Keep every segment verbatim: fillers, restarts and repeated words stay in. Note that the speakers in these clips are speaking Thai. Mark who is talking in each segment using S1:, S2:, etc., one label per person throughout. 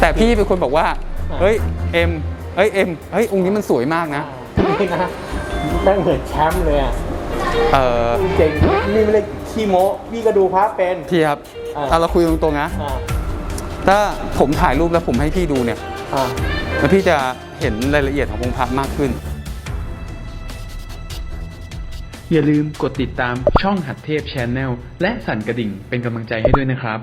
S1: แต่พี่เป็นคนบอกว่าเฮ้ยเอ็มเฮ้ยเอ็มเฮ้ยองค์นี้มันสวยมากนะ
S2: นี่นะแม่งเหมือนแชมป์เลยอ่ะ
S1: เออ
S2: เจ๋งนี่ไม่ได้ขี้โม้พี่ก็ดูพระเป็น
S1: พี่ครับเอาเราคุยตรงๆนะถ้าผมถ่ายรูปแล้วผมให้พี่ดูเนี่ยแล้วพี่จะเห็นรายละเอียดขององค์พระมากขึ้น
S3: อย่าลืมกดติดตามช่องหัดเทพ Channel และสั่นกระดิ่งเป็นกำลังใจให้ด้วยนะครับ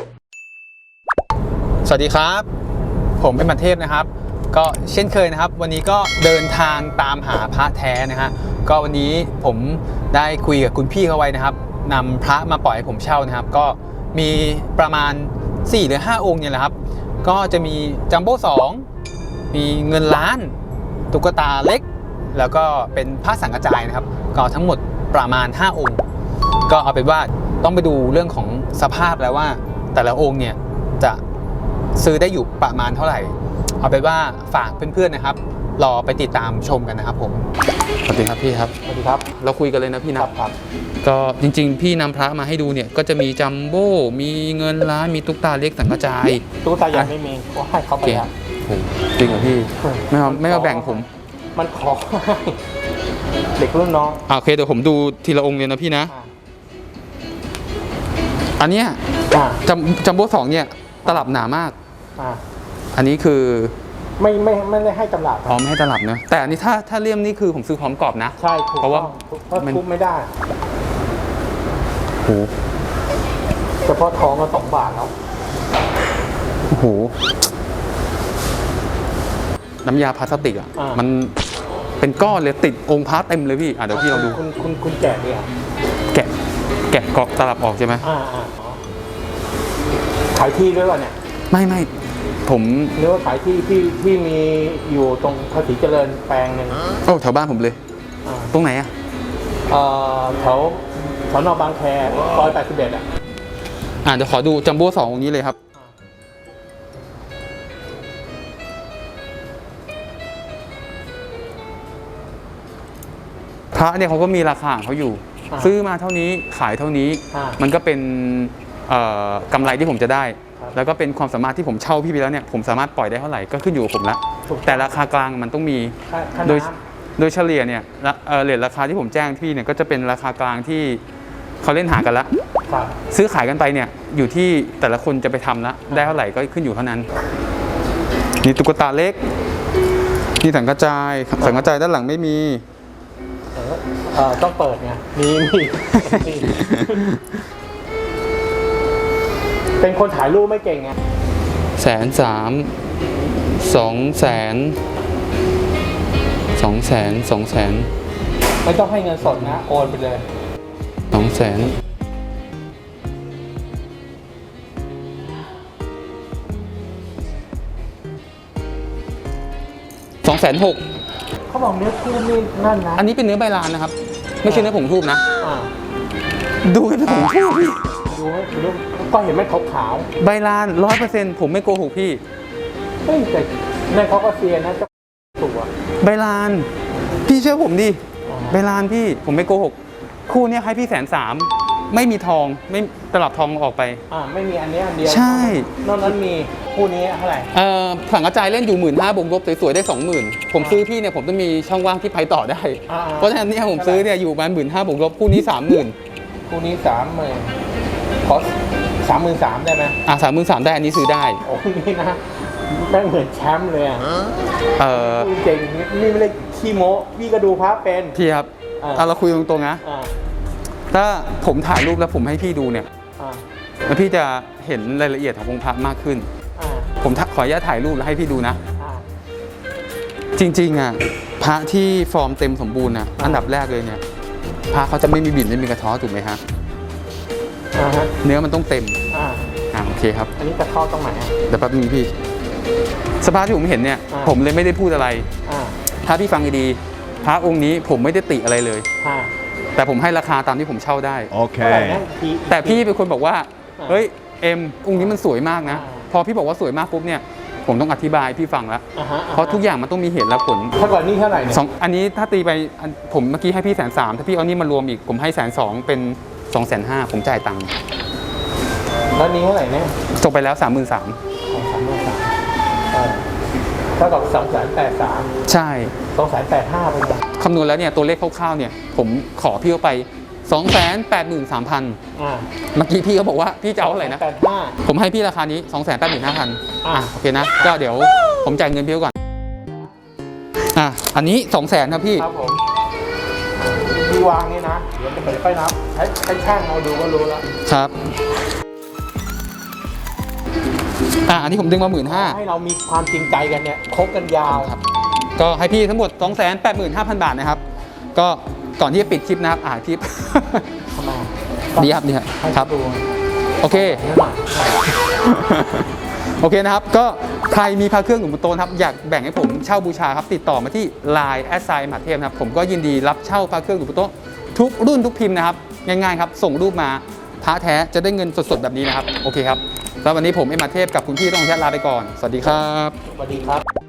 S1: สวัสดีครับผมเป็นหัดเทพนะครับก็เช่นเคยนะครับวันนี้ก็เดินทางตามหาพระแท้นะฮะก็วันนี้ผมได้คุยกับคุณพี่เขาไว้นะครับนำพระมาปล่อยให้ผมเช่านะครับก็มีประมาณสี่หรือห้าองค์เนี่ยแหละครับก็จะมีจัมโบ้สองมีเงินล้านตุ๊กตาเล็กแล้วก็เป็นพระสังฆจายนะครับก็ทั้งหมดประมาณห้าองค์ก็เอาเป็นว่าต้องไปดูเรื่องของสภาพแล้วว่าแต่ละองค์เนี่ยจะซื้อได้อยู่ประมาณเท่าไหร่เอาเป็นว่าฝากเพื่อนๆนะครับรอไปติดตามชมกันนะครับผมสวัสดีครับพี่ครับ
S2: สวัสดีครับ
S1: เราคุยกันเลยนะพี่นะครับก็จริงๆพี่นำพระมาให้ดูเนี่ยก็จะมีจัมโบ้มีเงินล้านมีตุ๊กตาเล็กสังฆจาย
S2: ตุ๊กตาใหญ่ไม่มีก็ให้เขาไปแล้ว
S1: จริงเหรอพี่ไม่เอาไม่เอาแบ่งผม
S2: มันขอเด็กรุ่นน้อง
S1: โอเคเดี๋ยวผมดูทีละองค์เลยนะพี่นะอันเนี้ยจัมโบ้สองเนี่ยตลับหนามากอันนี้คือ
S2: ไม่ไม่ไม่ได้ให้ตลับ
S1: อ๋อไม่ให้ตลับนะแต่อันนี้ถ้าถ้าเลี่ยมนี่คือผมซื้อพร้อมกรอบนะ
S2: ใช่เพราะว่ามันทุบไม่ได้
S1: โอ้โห
S2: เฉพาะทองก็สองบาทแล้ว
S1: โอ้โหน้ำยาพลาสติกอ่ะมันเป็นก้อนเลยติดองค์พระเต็มเลยพี่อ่ะเดี๋ยวพี่ลองดู
S2: คุณคุณคุณแกะดิอ่ะ
S1: แกะแกะกรอบตลับออกใช่ไหม
S2: อ่าอ่าขายที่ด้วยวะเนี่ย
S1: ไม่ไม่ผม
S2: เรียกว่าขายที่ที่ที่มีอยู่ตรงภาษีเจริญแปลงหนึ่ง
S1: โอ้แถวบ้านผมเลยตรงไหนอ่ะ
S2: เอ่อแถวแถวนอกบางแคซอยแปดสิบเอ็ดอ่ะ
S1: อ่าเดี๋ยวขอดูจัมโบ้สององค์นี้เลยครับพระเนี่ยเขาก็มีราคาเขาอยู่ซื้อมาเท่านี้ขายเท่านี้มันก็เป็นกำไรที่ผมจะได้แล้วก็เป็นความสามารถที่ผมเช่าพี่ไปแล้วเนี่ยผมสามารถปล่อยได้เท่าไหร่ก็ขึ้นอยู่กับผมละแต่ราคากลางมันต้องมีโดยโดยเฉลี่ยเนี่ยเรทราคาที่ผมแจ้งพี่เนี่ยก็จะเป็นราคากลางที่เขาเล่นหากันละซื้อขายกันไปเนี่ยอยู่ที่แต่ละคนจะไปทำละได้เท่าไหร่ก็ขึ้นอยู่เท่านั้นนี่ตุ๊กตาเล็กนี่สังฆจายสังฆจายด้านหลังไม่มี
S2: เออต้องเปิดไงมีมีเป็นคนถ่ายรูปไม่เก่งไง
S1: แสนสามสองแสนสองแสนสองแสน
S2: ไม่ต้องให้เงินสดนะโอนไปเลย
S1: สองแสนสองแสนหก
S2: เขาบอกเนื้อทูบนี่นั่นนะ
S1: อันนี้เป็นเนื้อใบลานนะครับไม่ใช่เนื้อผงทูบนะดูเป็นผงทูบพี่
S2: ดูดูก็เห็นไหมขาว
S1: ๆใบลานร้อยเปอร์เซ็นต์ผมไม่โกหกพี่
S2: เฮ้ยแต่ในเขาก็เซียนะจะตัว
S1: ใบลานพี่เชื่อผมดิใบลานพี่ผมไม่โกหกคู่นี้ให้พี่แสนสามไม่มีทองไม่ตลับทองออกไป
S2: อ่าไม่มีอันนี้อันเดียว
S1: ใช่
S2: นอกนั้นมีคู่นี้เท่าไหร่
S1: เอ่อสังฆจายเล่นอยู่หมื่นห้าบวกลบสวยๆได้สองหมื่นผมซื้อพี่เนี่ยผมต้องมีช่องว่างที่ไปต่อได้เพราะฉะนั้นเนี่ยผมซื้อเนี่ยอยู่ประมาณหมื่นห้าบวกลบคู่นี้สามหมื่น
S2: คู่นี้สามหมื่นขอสามหมื่นสามได้ไหม
S1: อ่าสามหมื่นสามได้อันนี้ซื้อได้
S2: โอ้นี่นะแม่งเหมือนแชมป์เลยอ่ะ
S1: เออ
S2: เจ๋งนี่ไม่ได้ขี้โม้พี่ก็ดูพระเป็น
S1: พี่ครับเอาเราคุยตรงๆนะถ้าผมถ่ายรูปแล้วผมให้พี่ดูเนี่ยแล้วพี่จะเห็นรายละเอียดขององค์พระมากขึ้นผมขออนุญาตถ่ายรูปแล้วให้พี่ดูนะจริงๆอ่ะพระที่ฟอร์มเต็มสมบูรณ์นะอันดับแรกเลยเนี่ยพระเขาจะไม่มีบิ่นไม่มีกระท้อถูกไหมฮะเนื้อมันต้องเต็มอ่าโอเคครับ
S2: อันนี้กระท้อตรงไหน
S1: เดี๋ยวแป๊บนึงพี่สภาพที่ผมเห็นเนี่ยผมเลยไม่ได้พูดอะไรถ้าพี่ฟังดีๆพระองค์นี้ผมไม่ได้ติอะไรเลยแต่ผมให้ราคาตามที่ผมเช่าได้
S2: โอเค
S1: แต่พี่เป็นคนบอกว่าเฮ้ยเอ็มองค์นี้มันสวยมากนะพอพี่บอกว่าสวยมากปุ๊บเนี่ยผมต้องอธิบายพี่ฟังแล้วเพราะทุกอย่างมันต้องมีเหตุและผล
S2: ถ้าก่อนนี้เท่าไหร่เนี่ย
S1: สองอันนี้ถ้าตีไปผมเมื่อกี้ให้พี่แสนสามถ้าพี่เอานี่มารวมอีกผมให้แสนสองเป็นสองแสนห้าผมจ่ายตังค์
S2: แล้วนี้เท่าไหร่เนี่ย
S1: ส่งไปแล้วสามหมื่นสาม
S2: สามหมื่นสามเท่ากับสองแสนแปดสาม
S1: ใช่
S2: สองแสนแปดห้าเป็นไง
S1: คำนวณแล้วเนี่ยตัวเลขคร่าวๆเนี่ยผมขอพี่เขาไป สองแสนแปดหมื่นสามพัน
S2: อ่า
S1: เมื่อกี้พี่เขาบอกว่าพี่จะเอาเท่าไหร่นะ
S2: แปดห้า
S1: ผมให้พี่ราคานี้ สองแสนแปดหมื่นห้าพัน
S2: อ่ะ
S1: อ่ะโอเคนะก็เดี๋ยวผมจ่ายเงินพี่เขาก่อนอ่ะอันนี้ สองแสนครับพี่
S2: ครับผมที่วางนี่นะเดี๋ยวจะไปค่อยนับให้ให้ช่างเราดูก็รู้แล้ว
S1: ครับอ่ะอันนี้ผมดึงมาหมื่นห้า
S2: ให้เรามีความจริงใจกันเนี่ยคบกันยาว
S1: ครับก็ให้พี่ทั้งหมด สองแสนแปดหมื่นห้าพัน บาทนะครับก็ก่อนที่จะปิดคลิปนะครับอ่าคลิป
S2: ทำไม
S1: ดีครับดีครับ
S2: ให้
S1: ครับ
S2: ดู
S1: โอเค
S2: นี่หน่อย
S1: โอเคนะครับ ก็ใครมีพระเครื่องหลวงปู่โตนะครับอยากแบ่งให้ผมเช่าบูชาครับติดต่อมาที่ ไลน์ แอดไซน์ มหาเทพนะครับผมก็ยินดีรับเช่าพระเครื่องหลวงปู่โตทุกรุ่นทุกพิมพ์นะครับง่ายๆครับส่งรูปมาพระแท้จะได้เงินสดๆแบบนี้นะครับโอเคครับแล้ววันนี้ผมเอ็มอาเทพกับคุณพี่ต้องแชทลาไปก่อนสวัสดีครับ
S2: สวัสดีครับ